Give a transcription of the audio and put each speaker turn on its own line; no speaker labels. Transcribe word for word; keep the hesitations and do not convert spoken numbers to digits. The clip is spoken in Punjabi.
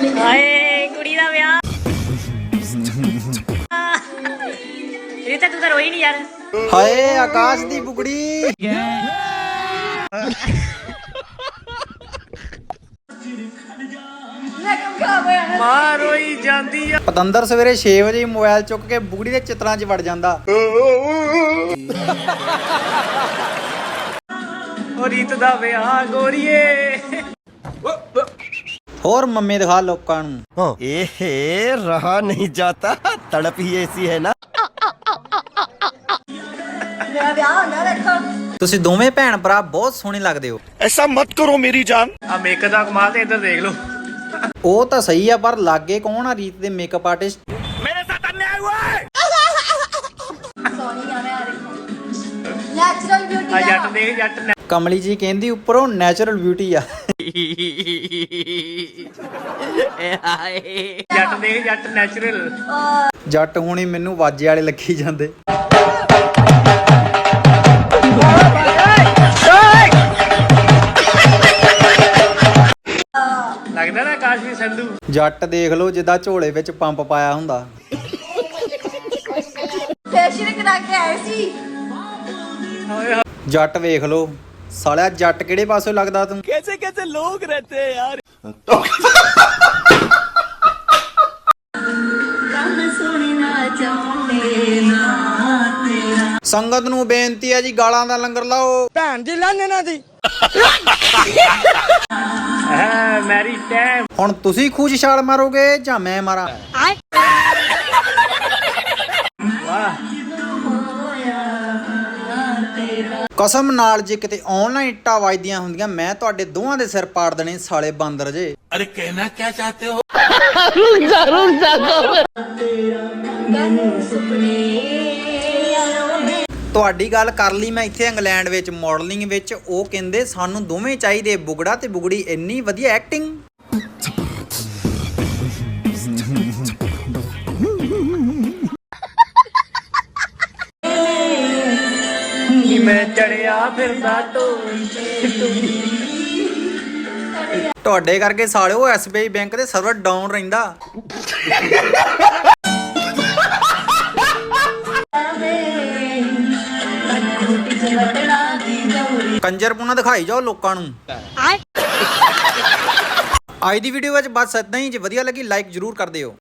ਹਾਏ ਕੁੜੀ ਦਾ ਵਿਆਹ। ਰੀਤਾ ਤੂੰ ਤਾਂ ਰੋਈ ਨਹੀਂ ਯਾਰ।
ਹਾਏ ਆਕਾਸ਼ ਦੀ ਬੁਗੜੀ।
ਮਾਂ ਰੋਈ ਜਾਂਦੀ ਆ।
ਪਤੰਦਰ ਸਵੇਰੇ ਛੇ ਵਜੇ ਮੋਬਾਈਲ ਚੁੱਕ ਕੇ ਬੁਗੜੀ ਦੇ ਚਿੱਤਰਾਂ 'ਚ ਵੜ ਜਾਂਦਾ।
ਉਹ ਰੀਤ ਦਾ ਵਿਆਹ ਗੋਰੀਏ।
ਹੋਰ ਮੰਮੀ ਦਿਖਾ ਲੋਕਾਂ ਨੂੰ।
एहे रहा नहीं जाता, तड़प ही ऐसी है ना।
ਤੁਸੀਂ ਦੋਵੇਂ ਭੈਣ ਭਰਾ ਬਹੁਤ ਸੋਹਣੇ ਲੱਗਦੇ ਹੋ।
ऐसा मत करो मेरी जान।
ਆ ਮੇਕਅਪ ਦਾ ਕਮਾਲ ਤੇ ਇੱਧਰ ਦੇਖ ਲਓ।
ਉਹ ਤਾਂ ਸਹੀ ਆ ਪਰ ਲਾਗੇ ਕੌਣ ਆ ਰੀਤ ਦੇ ਮੇਕਅਪ ਆਰਟਿਸਟ?
मेरे साथ अन्याय हुआ है।
ਨੈਚੁਰਲ ਬਿਊਟੀ
ਆ ਜੱਟ ਦੇਖ ਜੱਟ ਨੇ।
ਕਮਲੀ ਜੀ ਕਹਿੰਦੀ ਉੱਪਰੋਂ ਨੈਚੁਰਲ ਬਿਊਟੀ ਆ।
ਜੱਟ ਦੇਖ ਜੱਟ ਨੈਚੁਰਲ।
ਜੱਟ ਹੁਣੀ ਮੈਨੂੰ ਵਾਜੇ ਵਾਲੇ ਲੱਗੀ ਜਾਂਦੇ।
ਲੱਗਦਾ ਨਾ ਕਾਸ਼ੀ ਸੰਧੂ।
ਜੱਟ ਦੇਖ ਲਓ ਜਿੱਦਾਂ ਝੋਲੇ ਵਿੱਚ ਪੰਪ ਪਾਇਆ ਹੁੰਦਾ।
ਫੇਸ਼ੀਅਲ ਕਰਾ ਕੇ ਆਏ ਸੀ।
ਜੱਟ ਵੇਖ ਲਓ ਸਾਲਿਆ ਜੱਟ ਕਿਹੜੇ ਪਾਸੋਂ ਲੱਗਦਾ ਤੂੰ?
कैसे कैसे लोग रहते हैं यार।
ਸੰਗਤ ਨੂੰ ਬੇਨਤੀ ਹੈ ਜੀ ਗਾਲਾਂ ਦਾ ਲੰਗਰ ਲਾਓ।
ਭੈਣ ਦੀ ਲੰਨ ਇਹਨਾਂ ਦੀ।
ਹੈ ਮੈਰੀ ਟਾਈਮ।
ਹੁਣ ਤੁਸੀਂ ਖੂਜ ਛਾਲ ਮਾਰੋਗੇ ਜਾਂ ਮੈਂ ਮਾਰਾਂ?
ਵਾਹ
ਕਸਮ ਨਾਲ ਜੇ ਕਿਤੇ ਆਨਲਾਈਨ ਇੱਟਾਂ ਵੱਜਦੀਆਂ ਹੁੰਦੀਆਂ ਮੈਂ ਤੁਹਾਡੇ ਦੋਵਾਂ ਦੇ ਸਿਰ ਪਾੜ ਦੇਣੇ ਸਾਲੇ ਬਾਂਦਰ ਜੇ।
अरे कहना क्या चाहते हो।
ਤੁਹਾਡੀ ਗੱਲ ਕਰ ਲਈ ਮੈਂ ਇੱਥੇ ਇੰਗਲੈਂਡ ਵਿੱਚ ਮਾਡਲਿੰਗ ਵਿੱਚ। ਉਹ ਕਹਿੰਦੇ ਸਾਨੂੰ ਦੋਵੇਂ ਚਾਹੀਦੇ ਬੁਗੜਾ ਤੇ ਬੁਗੜੀ। ਇੰਨੀ ਵਧੀਆ ਐਕਟਿੰਗ।
ਨੀ ਮੈਂ ਚੜਿਆ ਫਿਰਦਾ ਢੋਲ
ਤੁਹਾਡੇ ਕਰਕੇ ਸਾਲਿਓ ਐਸ ਬੀ ਆਈ ਬੈਂਕ ਦੇ ਸਰਵਰ ਡਾਊਨ ਰਹਿੰਦਾ। ਕੰਜਰਪੂਣਾ ਦਿਖਾਈ ਜਾਓ ਲੋਕਾਂ ਨੂੰ। ਅੱਜ ਦੀ ਵੀਡੀਓ ਵਿੱਚ ਬਸ ਇਦਾਂ ਹੀ। ਜੇ ਵਧੀਆ ਲੱਗੀ ਲਾਈਕ ਜ਼ਰੂਰ ਕਰ ਦਿਓ।